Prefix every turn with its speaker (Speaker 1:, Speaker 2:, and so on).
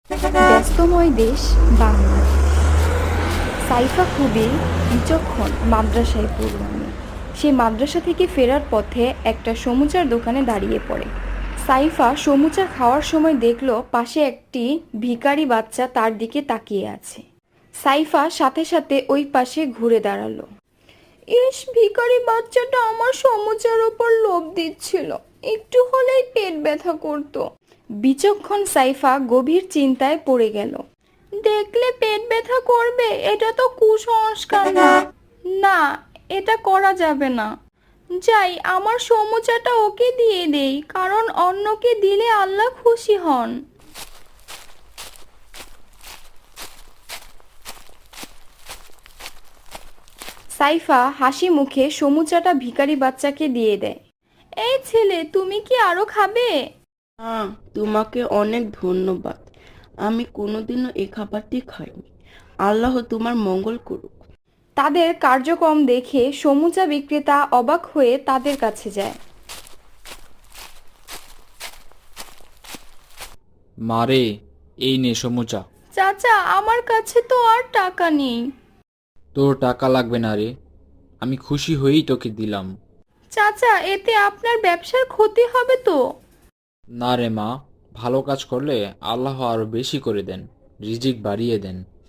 Speaker 1: ব্যস্তময় দেশ বাংলাদেশ। সাইফা খুবই বিচক্ষণ মাদ্রাসায় পড়ুয়ানি। সে মাদ্রাসা থেকে ফেরার পথে একটা সমুচার দোকানে দাঁড়িয়ে পড়ে। সাইফা সমুচা খাওয়ার সময় দেখলো পাশে একটি ভিখারি বাচ্চা তার দিকে তাকিয়ে আছে। সাইফা সাথে সাথে ওই পাশে ঘুরে দাঁড়ালো। ইস, ভিখারি বাচ্চাটা আমার সমুচার ওপর লোভ দিচ্ছিল, একটু হলেই পেট ব্যথা করতো। বিচক্ষণ সাইফা গভীর চিন্তায় পড়ে গেল। দেখলে পেট ব্যথা করবে, এটা তো কুসংস্কার না। না, এটা করা যাবে না। যাই, আমার সমুচাটা ওকে দিয়ে দেই, কারণ অন্যকে দিলে আল্লাহ খুশি হন। সাইফা হাসি মুখে সমুচাটা ভিখারি বাচ্চাকে দিয়ে দেয়। এই ছেলে, তুমি কি আরো খাবে?
Speaker 2: হ্যাঁ, তোমাকে অনেক ধন্যবাদ। আমি কোনোদিনও এই খাবারটি খাইনি। আল্লাহ তোমার মঙ্গল করুক।
Speaker 1: তাদের কার্যক্রম দেখে সমুচা বিক্রেতা অবাক হয়ে তাদের কাছে যায়।
Speaker 3: মারে, এই নে সমুচা।
Speaker 1: চাচা, আমার কাছে তো আর টাকা নেই।
Speaker 3: তোর টাকা লাগবে না রে, আমি খুশি হয়েই তোকে দিলাম।
Speaker 1: চাচা, এতে আপনার ব্যবসার ক্ষতি হবে তো?
Speaker 3: না রে মা, ভালো কাজ করলে আল্লাহ আরো বেশি করে দেন, রিজিক বাড়িয়ে দেন।